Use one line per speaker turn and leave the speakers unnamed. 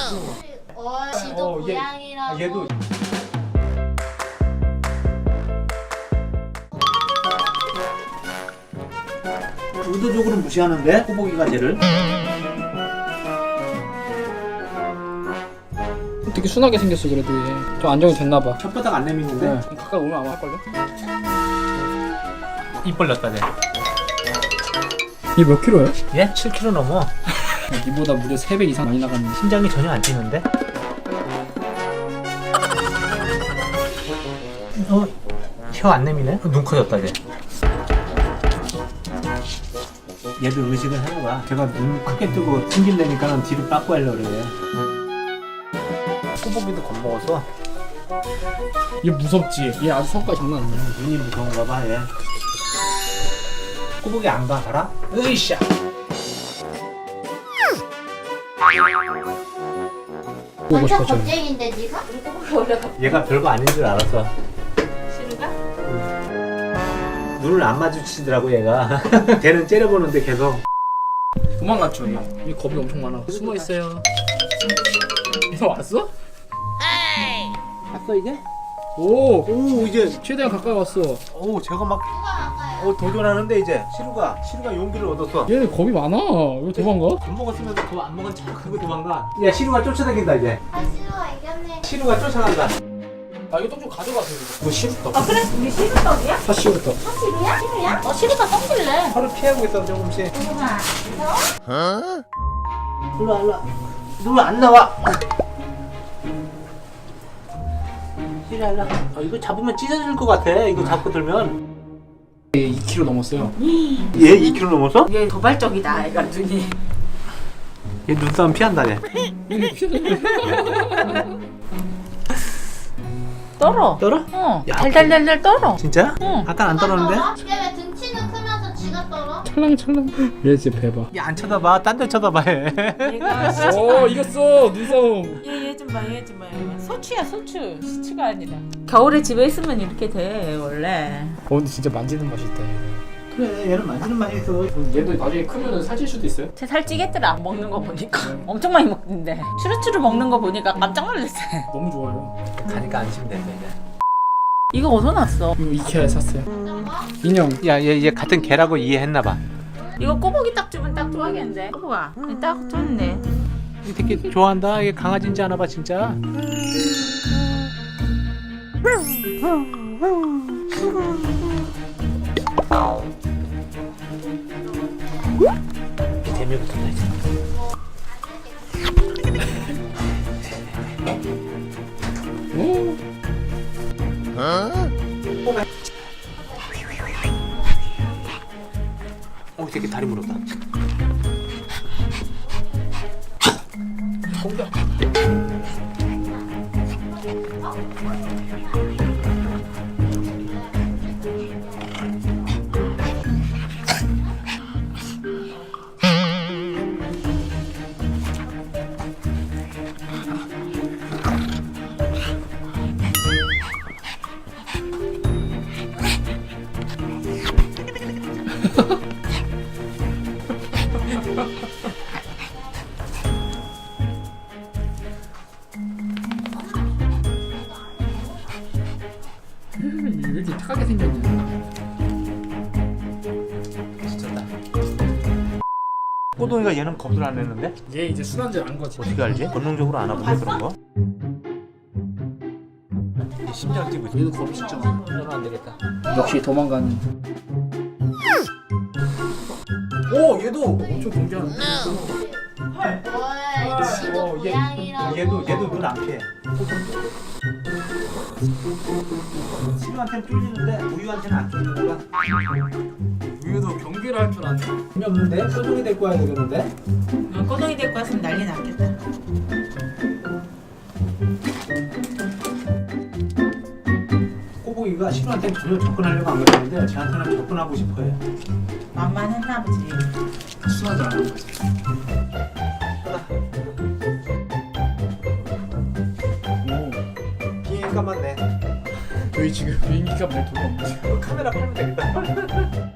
지도 고양이라고.
얘도 의도적으로 무시하는데 꼬부기가 쟤를.
되게 순하게 생겼어. 그래도 얘 좀 안정이 됐나봐.
혓바닥 안 내미는데.
네. 가까이 오면 아마 할걸요?
입 벌렸다 쟤.
얘 몇 킬로야?
얘 7kg 넘어.
니보다 무려 3배 이상 많이 나갔는데.
심장이 전혀 안 뛰는데. 혀 안 내미네? 눈 커졌다 쟤. 얘도 의식을 하는 거야. 걔가 눈 크게 뜨고 튕긴다니까는 뒤로 빠꾸 하려고 그래. 꼬부기도 겁먹어서.
얘 무섭지? 얘 아주 성깔 장난 아니야.
눈이 무서운가 봐 얘. 꼬부기 안 가, 알아? 으이샤.
보고
완전
싶었잖아.
겁쟁인데 니가? 꼬부기 올라가.
얘가 별거 아닌 줄 알았어.
싫은가?
눈을 안 마주치더라고 얘가. 걔는 째려보는데 계속.
도망갔죠 얘. 얘 겁이 엄청 많아. 숨어 있어요. 얘 왔어?
봤어 이제?
오 이제 최대한 가까이 왔어.
오 제가 막
누가 아까요?
도전하는데 이제 시루가 용기를 얻었어.
얘 겁이 많아. 왜 도망가?
밥 먹었으면서 더 안 먹은 척 하고 도망가. 야 시루가 쫓아다닌다 이제.
아 싫어 이겼네.
시루가 쫓아간다.
아 이거 떡 좀 가져가세요. 이거 시루떡.
아 그래? 우리 시루떡이야?
사시루떡.
시루야? 시루야? 시루가 똥질래.
혀를 피하고 있어 조금씩.
누가?
일로 안 나와. 시루야 일로. 이거 잡으면 찢어질 것 같아. 이거 잡고 들면.
얘 2kg 넘었어요.
얘 2kg 넘었어?
얘 도발적이다 애가 눈이.
얘 눈싸움 피한다 얘.
떨어.
떨어?
어.
야,
달달달달 떨어.
진짜?
응.
아까 안 떨었는데?
얘왜 등치는 크면서 지가 떨어?
찰랑찰랑. 얘 진짜 배봐.
얘 안 쳐다봐. 딴 데 쳐다봐 얘.
얘가
오 이겼어 눈싸움.
얘 좀 봐, 얘 좀 봐. 소추야, 소추. 시추가 아니라. 겨울에 집에 있으면 이렇게 돼 원래.
근데 진짜 만지는 맛이 있다 얘는.
그래 얘는 만지는 맛이 있어.
얘도 나중에 크면은 살찔 수도 있어요?
쟤 살찌겠더라. 먹는 거 보니까. 엄청 많이 먹는데. 추루추루 먹는 거 보니까 깜짝 놀랐어.
너무 좋아요.
가니까 안심된다 이제.
이거 어디서 났어?
이거 이케아에 샀어요. 인형.
야, 얘 같은 개라고 이해했나봐.
이거 꼬북이 딱 주면 딱 좋아하겠는데. 꼬북아, 딱 좋네.
이 새끼 좋아한다. 이게 강아지인지 아나봐 진짜. 재미부터 이제.
오.
이 새끼 다리 물었다.
왜 이렇게 착하게 생겼냐?
미쳤다. 꼬동이가 얘는 겁을 안 내는데?
얘 이제 순한줄 안 거지.
어떻게 알지? 본능적으로 안 하거든 그런 거. 심장 뛰고 있어.
얘는 겁이 진짜 많아.
이러면 안 되겠다.
역시 도망가는. 오 얘도 엄청 경계하는데.
뭘 지도 고양이라고.
얘도 눈 안 피해. 시루한테는 쫄리는데 우유한테는 안 쫄리는 거야.
우유도 경계를 할 줄 아네.
재미없는데? 꼬동이 데리고 와야 되겠는데?
꼬동이 데리고 왔으면 난리 났겠다.
꼬부기가 시루한테는 전혀 접근하려고 안 그러는데 쟤한테는 접근하고 싶어해.
만만했나 보지.
순한줄 안 거지.
비행값만 내.
여기 지금 비행기가 몇 도가 없지.
카메라 팔면 되겠다.